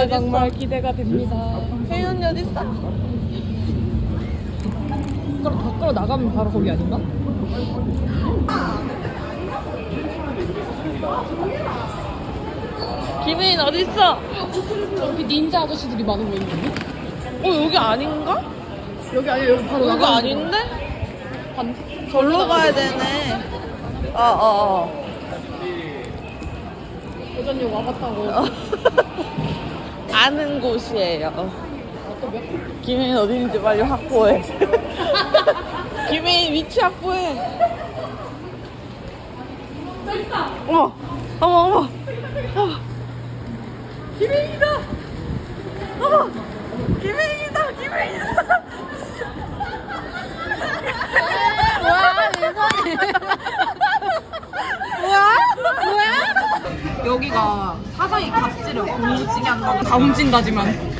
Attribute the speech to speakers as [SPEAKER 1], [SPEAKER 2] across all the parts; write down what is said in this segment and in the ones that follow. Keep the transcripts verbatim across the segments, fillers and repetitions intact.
[SPEAKER 1] 진짜 정말 기대가 됩니다.
[SPEAKER 2] 혜인 언니 어딨어?
[SPEAKER 1] 그럼 밖으로 나가면 바로 거기 아닌가?
[SPEAKER 2] 김혜인 어딨어?
[SPEAKER 1] 여기 닌자 아저씨들이 많은 거 있는데?
[SPEAKER 2] 어 여기 아닌가?
[SPEAKER 1] 여기 아니야 여기 바로
[SPEAKER 2] 여기
[SPEAKER 1] 나가면
[SPEAKER 2] 아닌데?
[SPEAKER 1] 반...
[SPEAKER 2] 절로 가야 되네. 어어어 어,
[SPEAKER 1] 여전히 와봤다고.
[SPEAKER 2] 어. 아는 곳이에요.
[SPEAKER 1] 아, 또 몇?
[SPEAKER 2] 김혜인 어디 있는지 빨리 확보해. 김혜인 위치 확보해. 어머, 어머, 어머, 어머. 김혜인이다. 어머, 김혜인이다, 김혜인이다.
[SPEAKER 1] 뭐야 민선이.
[SPEAKER 2] 뭐야? 뭐야?
[SPEAKER 1] 여기가 사사이 갑질을 공무지게 한다고 다 훔친다지만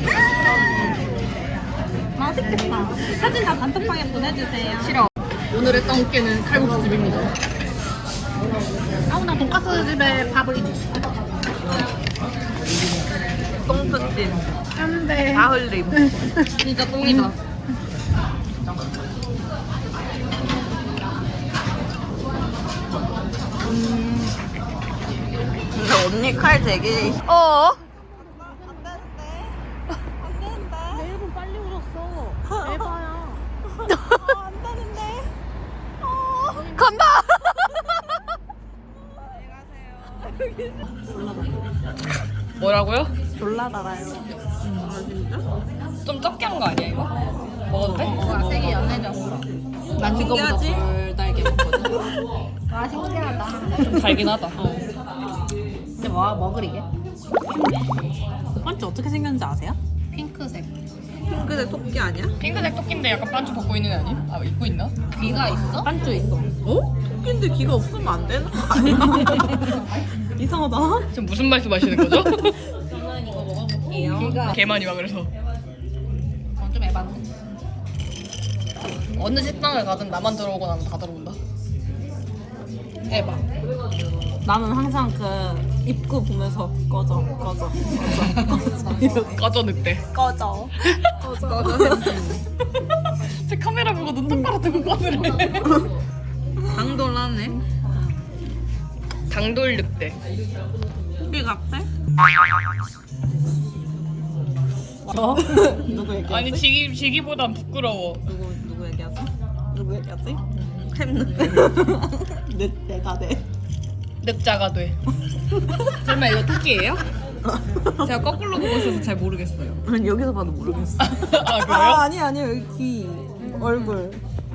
[SPEAKER 3] 맛있겠다. 사진 다 단톡방에 보내주세요.
[SPEAKER 1] 싫어. 오늘의 떡깨는 칼국수집입니다.
[SPEAKER 3] 아우 나 돈가스 집에 밥을
[SPEAKER 2] 똥끝진,
[SPEAKER 3] 안돼.
[SPEAKER 2] 가흘림.
[SPEAKER 1] 진짜 똥이다.
[SPEAKER 2] 근데 언니 칼 되게. 어?
[SPEAKER 3] 내 일본 빨리 울었어. 에바야. 안 되는데.
[SPEAKER 2] 간다. 뭐라고요?
[SPEAKER 3] 졸라 달아요.
[SPEAKER 1] 좀 적게 한 거 아니야 이거? 먹어도 돼?
[SPEAKER 3] 뭐가 색이 연해졌어.
[SPEAKER 1] 난 이거보다
[SPEAKER 2] 신기하지?
[SPEAKER 1] 덜 달게 먹거든.
[SPEAKER 3] 와 신기하다.
[SPEAKER 1] 좀 달긴 하다.
[SPEAKER 3] 근데 뭐 먹으리게?
[SPEAKER 4] 반지 어떻게 생겼는지 아세요?
[SPEAKER 3] 핑크색.
[SPEAKER 2] 핑크색 토끼 아니야?
[SPEAKER 1] 핑크색 토끼인데 약간 반주 벗고 있는 애 아니? 아 입고 있나?
[SPEAKER 3] 귀가 있어?
[SPEAKER 4] 반주 있어.
[SPEAKER 2] 어? 토끼인데 귀가 없으면 안 되는 거 아니야?
[SPEAKER 4] 이상하다.
[SPEAKER 1] 지금 무슨 말씀하시는 거죠?
[SPEAKER 3] 저는 이거 먹어볼게요. 귀가
[SPEAKER 1] 개 많이 와 그래서.
[SPEAKER 3] 어, 좀 에반데.
[SPEAKER 1] 어느 식당을 가든 나만 들어오고 나면 다 들어온다.
[SPEAKER 3] 에바.
[SPEAKER 4] 나는 항상 그 입구 보면서 꺼져, 꺼져, 꺼져, 이렇게
[SPEAKER 1] 꺼져 늑대.
[SPEAKER 4] 꺼져.
[SPEAKER 1] 제 카메라 보고 눈 똑바로 뜨고 꺼지래.
[SPEAKER 2] 당돌하네.
[SPEAKER 1] 당돌 늑대.
[SPEAKER 2] 토끼 같아?
[SPEAKER 4] 어? 누구 얘기하지?
[SPEAKER 1] 아니 지기 지기보단 부끄러워.
[SPEAKER 4] 누구 누구 얘기하지? 누구 얘기하지?
[SPEAKER 2] 햄늑대.
[SPEAKER 4] 내 내가 내.
[SPEAKER 1] 늑자가 돼. 설마 이거 토끼예요? 제가 거꾸로 보고 있어서 잘 모르겠어요.
[SPEAKER 2] 난 여기서 봐도 모르겠어.
[SPEAKER 1] 아 그래요?
[SPEAKER 4] 아 아니 아니 여기 귀, 얼굴.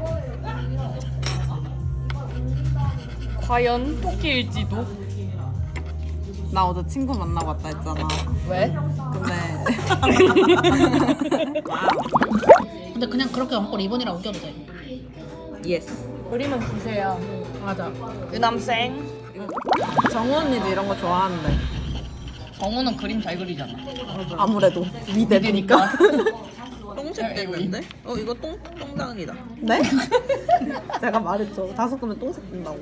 [SPEAKER 1] 과연 토끼일지도.
[SPEAKER 4] 나 어제 친구 만나고 왔다 했잖아.
[SPEAKER 1] 왜?
[SPEAKER 4] 근데
[SPEAKER 3] 근데 그냥 그렇게 얹고 리본이랑 우겨도 돼.
[SPEAKER 2] 예스.
[SPEAKER 1] 우리만 주세요.
[SPEAKER 3] 맞아.
[SPEAKER 2] 유남생.
[SPEAKER 4] 정우 언니도 이런 거 좋아하는데.
[SPEAKER 1] 정우는 그림 잘 그리잖아.
[SPEAKER 4] 아무래도 미대니까.
[SPEAKER 2] 똥색 됐는데? 어 이거 똥 똥장이다.
[SPEAKER 4] 네? 제가 말했죠. 다섯 개면 똥색 뜬다고.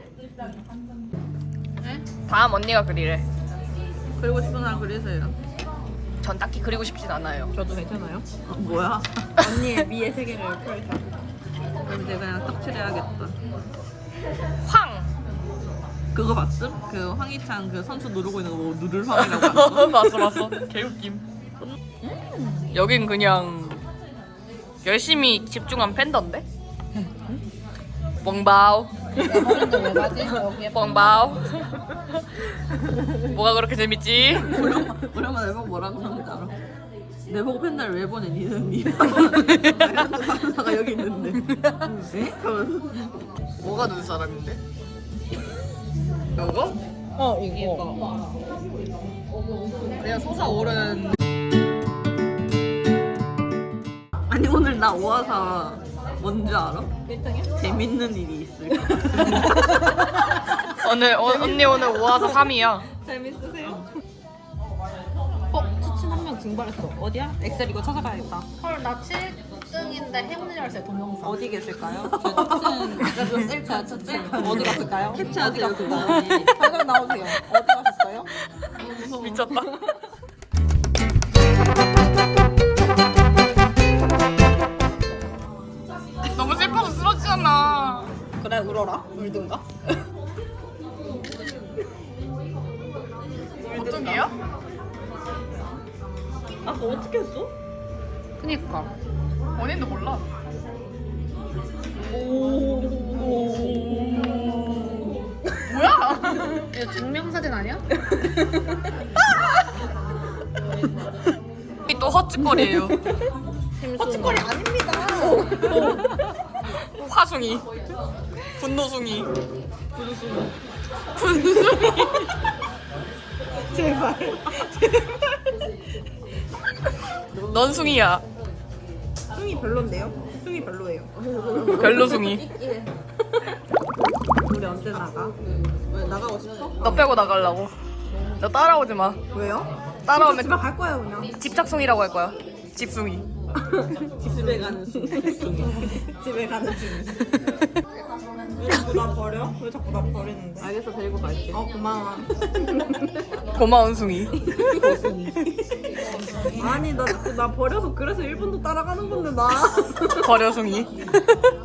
[SPEAKER 1] 다음 언니가 그리래.
[SPEAKER 2] 그리고 싶은 사람 그리세요.
[SPEAKER 1] 전 딱히 그리고 싶진 않아요.
[SPEAKER 4] 저도 괜찮아요?
[SPEAKER 2] 어, 뭐야?
[SPEAKER 4] 언니의 미의 세계를 펼쳐.
[SPEAKER 2] 그럼 이제 그냥 떡칠해야겠다.
[SPEAKER 1] 황.
[SPEAKER 2] 그거 봤음? 그 황희찬 그 선수 누르고 있는 거 뭐 누들황이라고 봤어?
[SPEAKER 1] 봤어 봤어. 개웃김. 여긴 그냥 열심히 집중한 팬더인데? 뻥바오.
[SPEAKER 3] 에바인데 왜 가지? 여기에
[SPEAKER 1] 뻥바오. 뭐가 그렇게 재밌지?
[SPEAKER 2] 오랜만에 내보고 뭐라 그러는지 알아? 내보고 팬날 왜 보내? 니는 니 강사가 여기 있는데 에? 하면서
[SPEAKER 1] 뭐가 눈사람인데? 이거?
[SPEAKER 4] 어 이거.
[SPEAKER 1] 그냥 솟아오른.
[SPEAKER 2] 아니 오늘 나 오아사 뭔지 알아? 재밌는 일이 있을 것 같아.
[SPEAKER 1] 오늘 어, 언니 오늘 오아사 삼 위야.
[SPEAKER 4] 재밌으세요? 어 추친 한 명 증발했어. 어디야? 엑셀 이거 찾아가야겠다.
[SPEAKER 3] 헐, 나 칠 등인데 행운의 열쇠 동영상.
[SPEAKER 4] 어디 계실까요? 제 추친 셀카 추친 어디 갔을까요?
[SPEAKER 2] 캡처하세요,
[SPEAKER 4] 어디 갔을까요? 당장 나오세요. 어디 가셨어요?
[SPEAKER 1] 미쳤다. 짜증나.
[SPEAKER 4] 그래 울어라. 울든가.
[SPEAKER 1] 어떡해요?
[SPEAKER 4] 아까 어떻게 했어?
[SPEAKER 3] 그니까.
[SPEAKER 1] 원인도 몰라. 뭐야?
[SPEAKER 3] 이거 증명사진 아니야?
[SPEAKER 1] 이 또 헛짓거리예요.
[SPEAKER 4] 헛짓거리 아닙니다.
[SPEAKER 1] 화숭이, 분노숭이, 분숭이, 분숭이.
[SPEAKER 4] 제발.
[SPEAKER 1] 넌 숭이야.
[SPEAKER 4] 숭이 별론데요? 숭이 별로예요.
[SPEAKER 1] 별로숭이.
[SPEAKER 4] 우리 언제 나가? 왜 나가고 싶어?
[SPEAKER 1] 너 빼고 나가려고. 너 따라오지 마.
[SPEAKER 4] 왜요?
[SPEAKER 1] 따라오면
[SPEAKER 4] 집에 갈 거야 그냥.
[SPEAKER 1] 집착숭이라고 할 거야. 집숭이.
[SPEAKER 4] 집에 가는 중. 집에 가는 중. 왜 자꾸 나 버려? 왜 자꾸 나 버리는데?
[SPEAKER 2] 알겠어, 데리고 갈게.
[SPEAKER 4] 어 고마워.
[SPEAKER 1] 고마운 숭이.
[SPEAKER 4] 아니 나 자꾸 나 버려서 그래서 일본도 따라가는 건데 나.
[SPEAKER 1] 버려숭이.